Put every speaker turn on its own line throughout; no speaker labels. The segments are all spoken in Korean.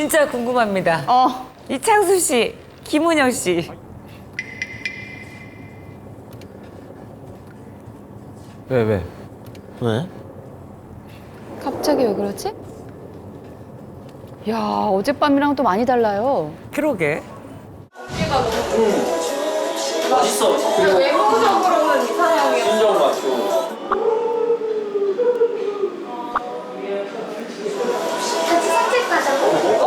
진짜 궁금합니다. 이창수 씨, 김은영 씨.
왜?
왜?
갑자기 왜 그러지? 야, 어젯밤이랑 또 많이 달라요.
그러게.
외모적으로는 이상형이었어.
순정 맞고.
같이 산책 가자고.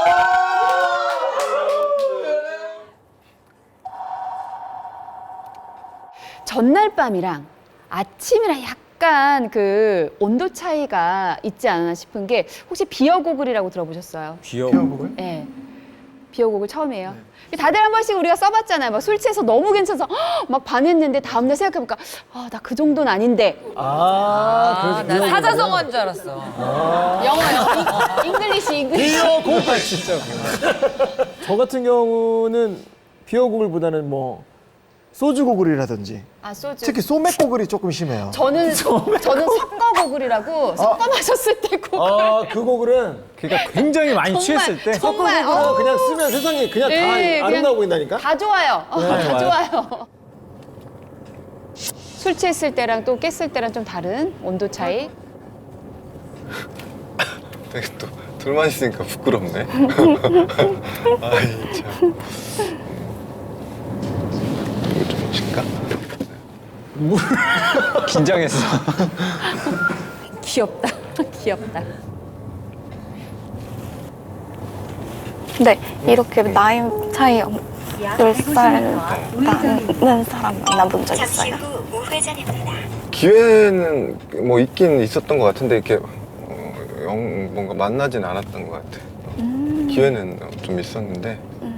전날 밤이랑 아침이랑 약간 그 온도 차이가 있지 않나 싶은 게 혹시 비어고글이라고 들어보셨어요?
귀여워.
네. 비어고글 처음이에요. 다들 한 번씩 우리가 써봤잖아요. 막 술 취해서 너무 괜찮아서 막 반했는데 다음날 생각해보니까 나 그 정도는 아닌데.
난 사자성어인 줄 알았어.
영어요. 잉글리시.
비어곡을 진짜. 저 같은 경우는 비어곡을보다는 뭐 소주고글이라든지
소주.
특히 소맥고글이 조금 심해요.
저는 섞어고글이라고 섞어 마셨을 때 고글.
그 고글은
그러니까 굉장히 많이 취했을 때.
정말
그냥 쓰면 세상이 그냥
네,
다 아름다워 보인다니까?
다 좋아요. 다 좋아요. 술 취했을 때랑 또 깼을 때랑 좀 다른 온도 차이.
되게 또 둘만 있으니까 부끄럽네. 아이 참. 이거 좀 칠까?
긴장했어.
귀엽다. 귀엽다.
네, 이렇게 나이 차이 10살 나는 사람 만나본 적 있어요?
기회는 뭐 있긴 있었던 것 같은데 이렇게 뭔가 만나진 않았던 것 같아. 기회는 좀 있었는데.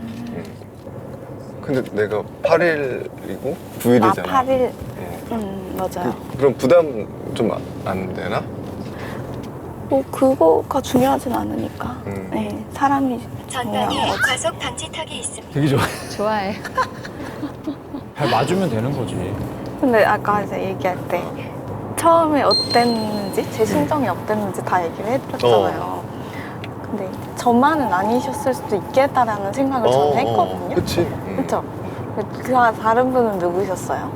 근데 내가 8일이고 9일이잖아.
8일? 맞아요.
그럼 부담 좀 안 되나?
뭐 그거가 중요하진 않으니까. 네, 사람이 중요한
전방에
거지.
과속 방지턱이 있습니다.
되게 좋아.
좋아해.
잘 맞으면 되는 거지.
근데 아까 이제 얘기할 때 처음에 어땠는지, 제 심정이 어땠는지 다 얘기를 해드렸잖아요. 근데 저만은 아니셨을 수도 있겠다라는 생각을 저는 했거든요.
그치.
그렇죠? 그 다른 분은 누구셨어요?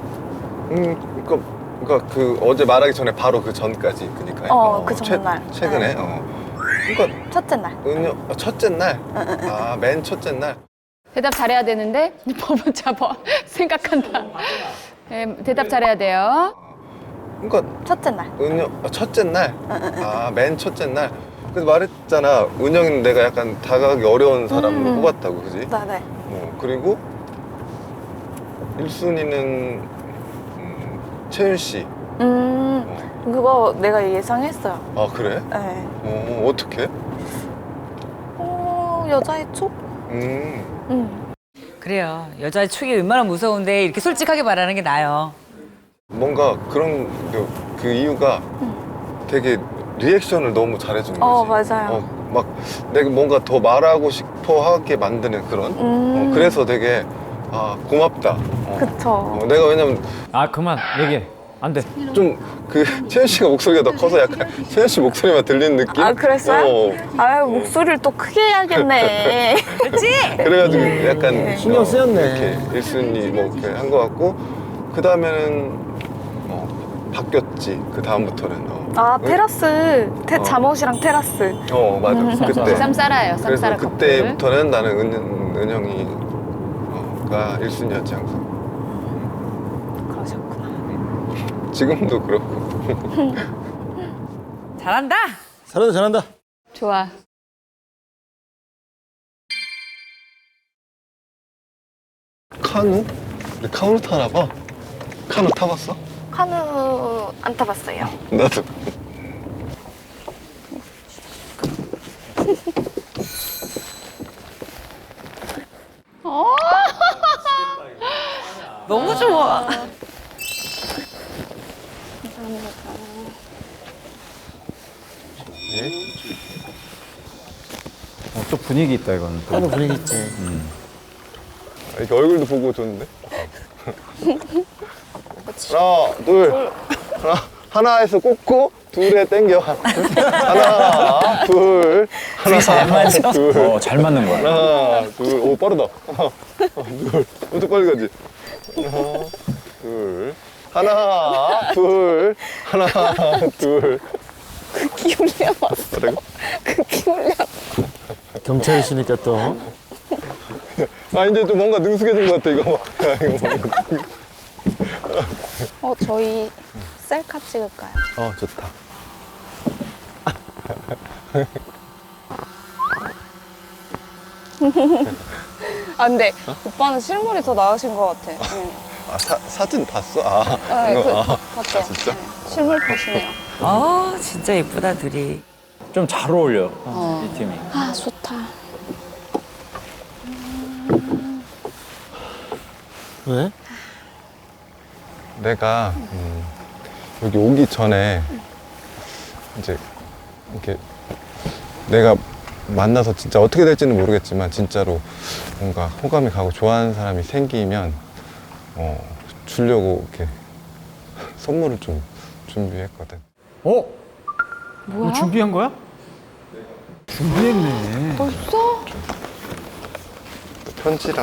그러니까 그 어제 말하기 전에 바로 그 전까지 그니까요.
그 전날.
최근에. 그러니까
첫째 날.
첫째 날. 맨 첫째 날.
대답 잘해야 되는데 법은 잡아. 생각한다. 네, 대답 잘해야 돼요.
그러니까
첫째 날.
첫째 날. 맨 첫째 날. 그래서 말했잖아. 은영이는 내가 약간 다가가기 어려운 사람으로 뽑았다고, 그지?
네네.
그리고 1순위는 채윤 씨.
그거 내가 예상했어요.
아, 그래?
네.
어떻게?
여자의 촉?
그래요. 여자의 촉이 얼마나 무서운데 이렇게 솔직하게 말하는 게 나아요.
뭔가 그런 그 이유가 되게 리액션을 너무 잘해주는 거지.
맞아요.
막 내가 뭔가 더 말하고 싶어 하게 만드는 그런. 그래서 되게 고맙다.
그쵸.
내가 왜냐면
그만 얘기해. 안 돼.
좀 그 채연 씨가 목소리가 더 커서 약간 채연 씨 목소리만 들리는 느낌?
그랬어요? 목소리를 또 크게 해야겠네.
그렇지?
그래가지고 약간
신경 쓰였네.
이렇게 1순위 뭐 이렇게 한 것 같고 그 다음에는 바뀌었지. 그 다음부터는.
테라스. 잠옷이랑 테라스.
맞아. 그때.
쌈싸라예요.
그래서
쌈싸라 커플.
그때부터는 나는 은영이가 1순위였지 항상.
그러셨구나.
지금도 그렇고.
잘한다.
잘한다.
좋아.
카누? 근데 카누 타나 봐. 카누 타봤어?
카누 안 타봤어요.
나도.
너무 좋아.
예?
또 분위기 있다 이거는. 또.
하는 분위기 있지.
이렇게 얼굴도 보고 줬는데. 하나, 둘. 하나에서 꽂고 둘에 땡겨. 하나, 둘.
잘 맞아.
둘,
잘 맞는 거야.
하나, 둘, 오 빠르다. 둘, 엄청 빨리 가지. 하나, 둘, 하나, 둘.
극기 훈련 왔어.
뭐라고?
극기 훈련.
경찰이시니까 또.
아 이제 좀 뭔가 능숙해진 것 같아 이거. 야, 이거 뭔가.
저희 셀카 찍을까요?
좋다.
아 근데 오빠는 실물이 더 나으신 것 같아. 응.
아 사진 봤어? 아,
네,
이거,
봤죠.
진짜?
네, 실물 보시네요.
아, 진짜 예쁘다, 둘이.
좀 잘 어울려. 이 팀이.
아 좋다.
왜?
내가 여기 오기 전에 이제 이렇게 내가 만나서 진짜 어떻게 될지는 모르겠지만 진짜로 뭔가 호감이 가고 좋아하는 사람이 생기면 주려고 이렇게 선물을 좀 준비했거든.
어? 뭐야? 준비한 거야? 준비했네.
벌써?
또 편지랑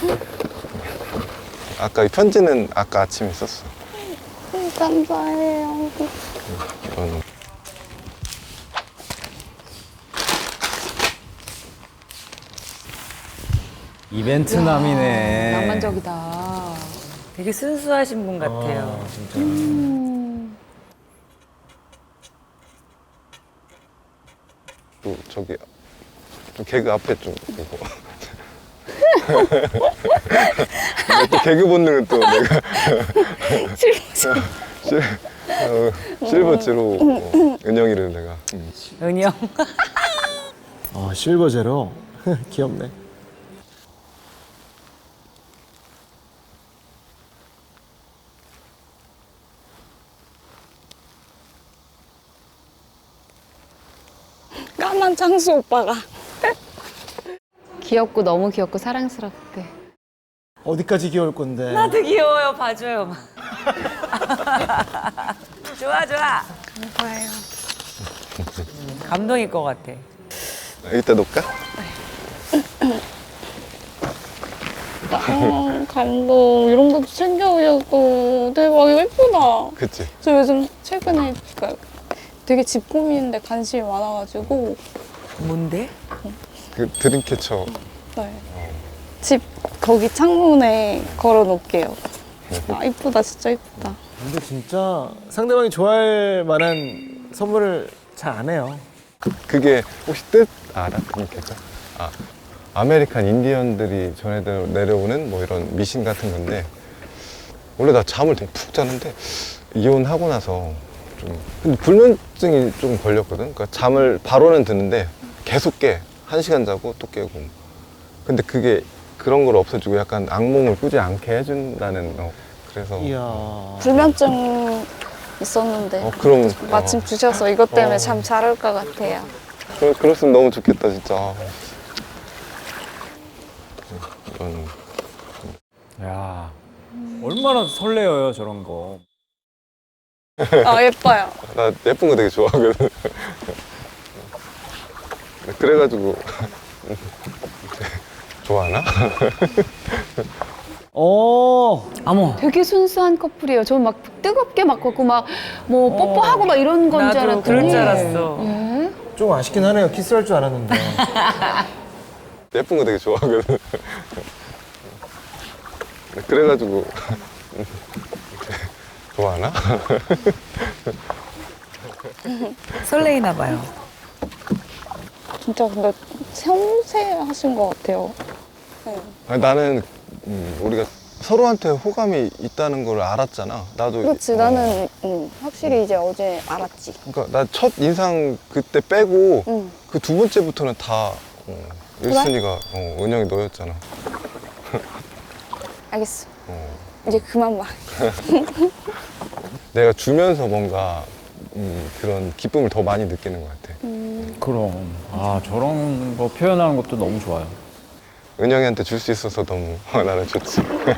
아까 이 편지는 아까 아침에 썼어.
감사해요.
이거는
이벤트남이네.
낭만적이다.
되게 순수하신 분 같아요.
진짜.
또 저기 좀 개그 앞에 좀 이거. 또 개그 본능은 또 내가 실버 제로 은영이를 내가
은영.
실버 제로. 귀엽네.
까만 장수 오빠가.
귀엽고 너무 귀엽고 사랑스럽대.
어디까지 귀여울 건데.
나도 귀여워요, 봐줘요. 좋아, 좋아.
감사해요.
감동일 것 같아.
이따 놓을까?
감동. 이런 것도 챙겨오셨고 대박 예쁘다.
그치?
저 요즘 최근에 되게 집 꾸미는데 관심이 많아가지고
뭔데?
그 드림캐쳐.
네. 집 거기 창문에 걸어놓을게요. 아 이쁘다 진짜 이쁘다.
근데 진짜 상대방이 좋아할 만한 선물을 잘 안 해요.
그게 혹시 뜻 알아? 드림캐쳐? 아메리칸 인디언들이 전해 내려오는 뭐 이런 미신 같은 건데 원래 나 잠을 되게 푹 자는데 이혼하고 나서 좀 근데 불면증이 좀 걸렸거든. 그러니까 잠을 바로는 드는데 계속 깨. 1시간 자고 또 깨고. 근데 그게 그런 걸 없애주고 약간 악몽을 꾸지 않게 해준다는 그래서
이야.
불면증 있었는데
그럼
마침 주셔서 이것 때문에 잠 잘 올 것 같아요.
그랬으면 너무 좋겠다 진짜. 이건
야, 얼마나 설레어요 저런 거.
아 예뻐요.
나 예쁜 거 되게 좋아하거든. 그래가지고 좋아하나?
어머.
되게 순수한 커플이에요. 저 막 뜨겁게 막 걷고 막 뭐 뽀뽀하고 막 이런 건 줄
나도
알았더니.
그럴 줄 알았어.
예?
좀 아쉽긴 하네요. 키스할 줄 알았는데.
예쁜 거 되게 좋아하거든. 그래가지고 좋아하나?
설레이나 봐요.
진짜 근데 섬세하신 것 같아요. 네.
아니, 나는 우리가 서로한테 호감이 있다는 걸 알았잖아. 나도.
그렇지 나는 확실히 이제 어제 알았지.
그러니까 나 첫 인상 그때 빼고
응.
그 두 번째부터는 다 1순위가 은영이 너였잖아.
알겠어. 이제 그만 말.
내가 주면서 뭔가 그런 기쁨을 더 많이 느끼는 것 같아.
그럼. 저런 거 표현하는 것도 너무 좋아요.
은영이한테 줄 수 있어서 너무 나는 좋지.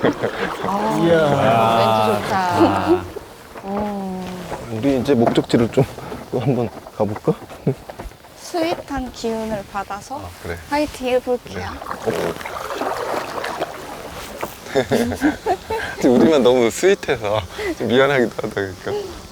이야.
멘트 좋다.
우리 이제 목적지를 좀 또 한번 가볼까?
스윗한 기운을 받아서
아, 그래.
화이팅 해볼게요.
우리만 너무 스윗해서 좀 미안하기도 하다 그러니까.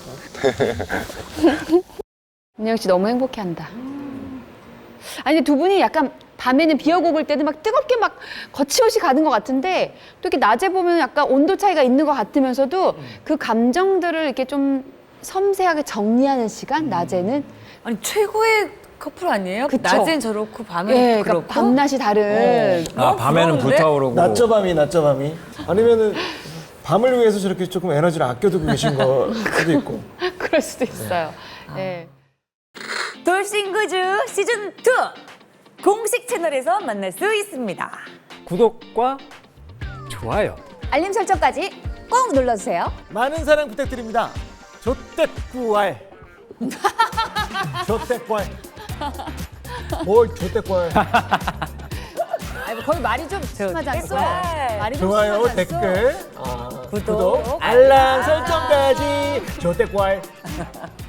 은영 씨 너무 행복해한다. 아니 두 분이 약간 밤에는 비어곡을 때는 막 뜨겁게 막 거침없이 가는 것 같은데 또 이렇게 낮에 보면 약간 온도 차이가 있는 것 같으면서도 그 감정들을 이렇게 좀 섬세하게 정리하는 시간 낮에는
아니 최고의 커플 아니에요?
그쵸.
낮엔 저렇고 밤엔
예,
그렇고.
그러니까 밤낮이 다른
아, 밤에는
부러운데?
불타오르고.
낮저 밤이 아니면은 밤을 위해서 저렇게 조금 에너지를 아껴두고 계신 거 수도 있고.
그럴 수도 있어요. 예.
돌싱그즈 시즌 2 공식 채널에서 만날 수 있습니다.
구독과 좋아요.
알림 설정까지 꼭 눌러주세요.
많은 사랑 부탁드립니다. 조떼꾸알. 조떼꾸알. 뭘 조떼꾸알.
아니, 거의 말이 좀 심하지 않았어요? 말이 좀
좋아요,
심하지 않았어?
댓글, 구독, 알람 설정까지 조떼꾸알.